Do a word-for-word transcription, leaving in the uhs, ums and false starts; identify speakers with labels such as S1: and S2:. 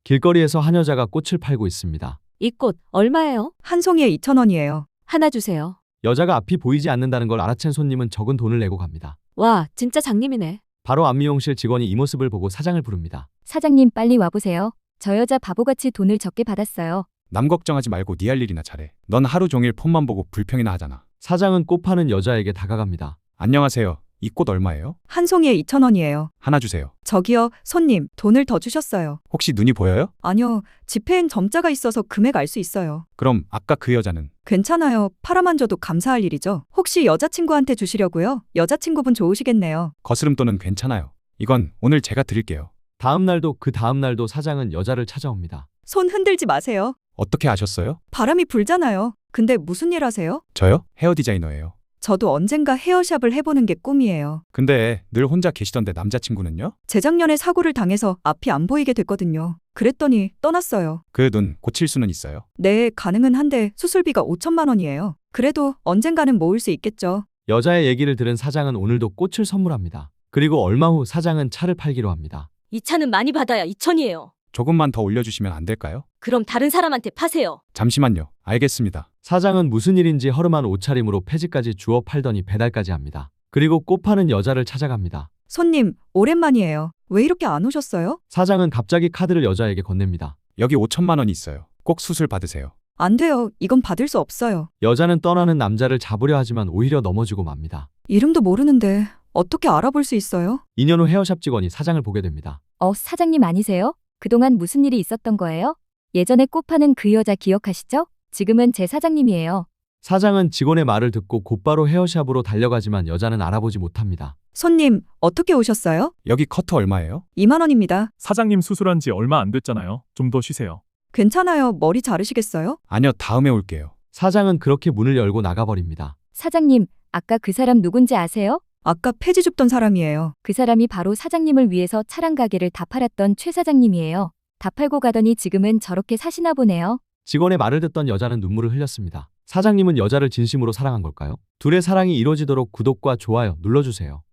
S1: 길거리에서 한 여자가 꽃을 팔고 있습니다.
S2: 이 꽃 얼마예요?
S3: 한 송이에 이천 원이에요.
S2: 하나 주세요.
S1: 여자가 앞이 보이지 않는다는 걸 알아챈 손님은 적은 돈을 내고 갑니다.
S2: 와, 진짜 장님이네.
S1: 바로 안미용실 직원이 이 모습을 보고 사장을 부릅니다.
S4: 사장님 빨리 와보세요. 저 여자 바보같이 돈을 적게 받았어요.
S5: 남 걱정하지 말고 네 할 일이나 잘해. 넌 하루 종일 폰만 보고 불평이나 하잖아.
S1: 사장은 꽃 파는 여자에게 다가갑니다.
S5: 안녕하세요. 이 꽃 얼마예요?
S3: 한 송이에 이천 원이에요.
S5: 하나 주세요.
S3: 저기요, 손님, 돈을 더 주셨어요.
S5: 혹시 눈이 보여요?
S3: 아니요, 지폐엔 점자가 있어서 금액 알 수 있어요.
S5: 그럼 아까 그 여자는?
S3: 괜찮아요. 팔아만 줘도 감사할 일이죠. 혹시 여자친구한테 주시려고요? 여자친구분 좋으시겠네요.
S5: 거스름돈은 괜찮아요. 이건 오늘 제가 드릴게요.
S1: 다음 날도 그 다음 날도 사장은 여자를 찾아옵니다.
S3: 손 흔들지 마세요.
S5: 어떻게 아셨어요?
S3: 바람이 불잖아요. 근데 무슨 일 하세요?
S5: 저요? 헤어 디자이너예요.
S3: 저도 언젠가 헤어샵을 해보는 게 꿈이에요.
S5: 근데 늘 혼자 계시던데 남자친구는요?
S3: 재작년에 사고를 당해서 앞이 안 보이게 됐거든요. 그랬더니 떠났어요.
S5: 그 눈 고칠 수는 있어요?
S3: 네, 가능은 한데 수술비가 오천만 원이에요. 그래도 언젠가는 모을 수 있겠죠.
S1: 여자의 얘기를 들은 사장은 오늘도 꽃을 선물합니다. 그리고 얼마 후 사장은 차를 팔기로 합니다.
S2: 이 차는 많이 받아야 이천이에요.
S5: 조금만 더 올려주시면 안 될까요?
S2: 그럼 다른 사람한테 파세요.
S5: 잠시만요. 알겠습니다.
S1: 사장은 무슨 일인지 허름한 옷차림으로 폐지까지 주워 팔더니 배달까지 합니다. 그리고 꽃 파는 여자를 찾아갑니다.
S3: 손님, 오랜만이에요. 왜 이렇게 안 오셨어요?
S1: 사장은 갑자기 카드를 여자에게 건넵니다.
S5: 여기 오천만 원이 있어요. 꼭 수술 받으세요.
S3: 안 돼요. 이건 받을 수 없어요.
S1: 여자는 떠나는 남자를 잡으려 하지만 오히려 넘어지고 맙니다.
S3: 이름도 모르는데 어떻게 알아볼 수 있어요?
S1: 이 년 후 헤어샵 직원이 사장을 보게 됩니다.
S4: 어, 사장님 아니세요? 그동안 무슨 일이 있었던 거예요? 예전에 꽃 파는 그 여자 기억하시죠? 지금은 제 사장님이에요.
S1: 사장은 직원의 말을 듣고 곧바로 헤어샵으로 달려가지만 여자는 알아보지 못합니다.
S3: 손님, 어떻게 오셨어요?
S5: 여기 커트 얼마예요?
S3: 이만 원입니다.
S6: 사장님 수술한 지 얼마 안 됐잖아요. 좀 더 쉬세요.
S3: 괜찮아요. 머리 자르시겠어요?
S5: 아니요, 다음에 올게요.
S1: 사장은 그렇게 문을 열고 나가버립니다.
S4: 사장님, 아까 그 사람 누군지 아세요?
S3: 아까 폐지 줍던 사람이에요.
S4: 그 사람이 바로 사장님을 위해서 차랑 가게를 다 팔았던 최 사장님이에요. 다 팔고 가더니 지금은 저렇게 사시나 보네요.
S1: 직원의 말을 듣던 여자는 눈물을 흘렸습니다. 사장님은 여자를 진심으로 사랑한 걸까요? 둘의 사랑이 이루어지도록 구독과 좋아요 눌러주세요.